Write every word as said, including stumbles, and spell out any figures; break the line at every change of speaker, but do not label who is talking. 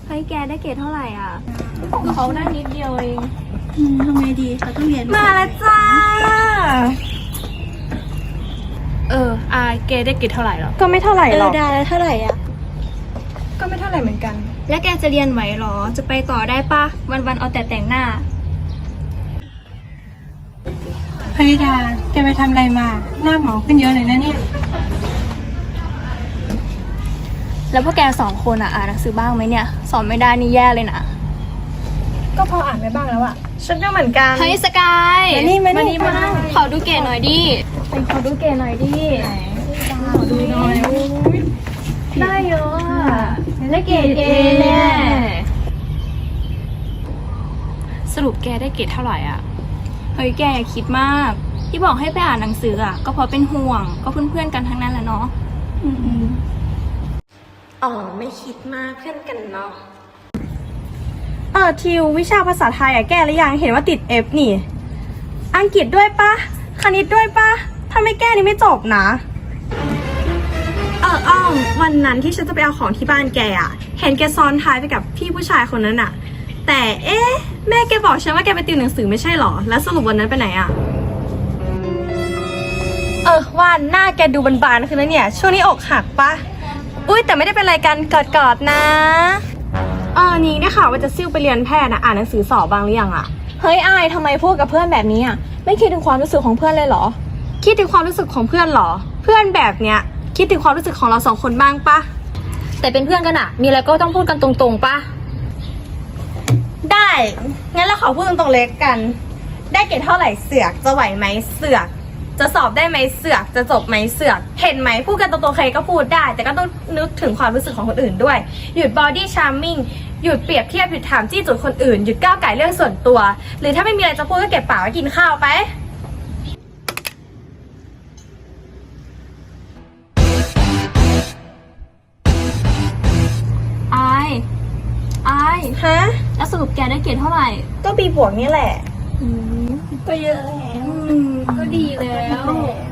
เฮ้ยแกได้เกรดเท่าไหร่อ่ะเขาได้นิดเดียวเอง
อืมทำไงดีเราต้องเรียน
มาแล้วจ้าเอออาแกได้เกรดเท่าไหร่หรอก็ไม่เท่าไหร่
เอ
หร
อ
อก
ได้แล้วเท่าไหร่อ่ะ
ก็ไม่เท่าไหร่เหมือนกันแล้วแกจะเรียนไหวหรอจะไปต่อได้ปะวันๆเอาแต่แต่งหน้า
พนิดาแกไปทำอะไรมาหน้าหมองขึ้นเยอะเลยนะเนี่ย
แล้วพวกแกสองคนอ่ะอ่านหนังสือบ้างไหมเนี่ยสอนไม่ได้นี่แย่เลยนะ
ก็พออ่านไปบ้างแล้วอะฉันก็เหมือนกัน
เฮ้ยสกาย
มานี่มานี่
มาขอดูเกรดหน่อยดิไปขอดูเกรดหน่อยดิขอดูหน่อยได้เยอะอ่ะได้เกรดเอแน่สรุปแกได้เกรดเท่าไหร่อ่ะเฮ้ยแกอย่าคิดมากที่บอกให้ไปอ่านหนังสืออ่ะก็เพราะเป็นห่วงก็เพื่อนๆกันทั้งนั้นแหละเนาะ
อ๋อไม่คิดมากเพื่อนกันเนาะ
เออทิววิชาภาษาไทยอะแก้หรือยังเห็นว่าติด F นี่อังกฤษด้วยปะคณิตด้วยปะถ้าไม่แก้นี่ไม่จบนะเอออ้อมวันนั้นที่ฉันจะไปเอาของที่บ้านแกอะเห็นแกซ้อนท้ายไปกับพี่ผู้ชายคนนั้นอะแต่เอ๊ะแม่แกบอกฉันว่าแกไปติวหนังสือไม่ใช่หรอแล้วสรุปวันนั้นไปไหนอะเออว่านหน้าแกดูบานๆขึ้นแล้วเนี่ยช่วงนี้อกหักปะอุ้ยแต่ไม่ได้เป็นไรกันกอดๆนะเออนี่ได้ข่าวว่าจะซิ่วไปเรียนแพทย์นะอ่านหนังสือสอบบางหรือยังอะ
เฮ้ยอายทำไมพูดกับเพื่อนแบบนี้อ่ะไม่คิดถึงความรู้สึกของเพื่อนเลยเหรอ
คิดถึงความรู้สึกของเพื่อนเหรอเพื่อนแบบเนี้ยคิดถึงความรู้สึกของเราสองคนบ้างปะ
แต่เป็นเพื่อนกันอะมีอะไรก็ต้องพูดกันตรงๆปะ
ได้งั้นเราขอพูดตรงๆเล็กกันได้เกรดเท่าไหร่เสือกจะไหวไหมเสือกจะสอบได้ไหมเสือกจะจบไหมเสือกเห็นไหมพูดกันตรงๆใครก็พูดได้แต่ก็ต้องนึกถึงความรู้สึกของคนอื่นด้วยหยุดบอดี้ชาร์มมิ่งหยุดเปรียบเทียบหยุดถามจี้จุดคนอื่นหยุดก้าวไก่เรื่องส่วนตัวหรือถ้าไม่มีอะไรจะพูดก็เก็บปากไว้กินข้าวไป
อายอาย
ฮะ
แล้วสรุปแกได้เกรดเท่าไหร่
ก็บีบวกนี่แหละ
ก็เยอะแล้ว
ก็ดีแล้ว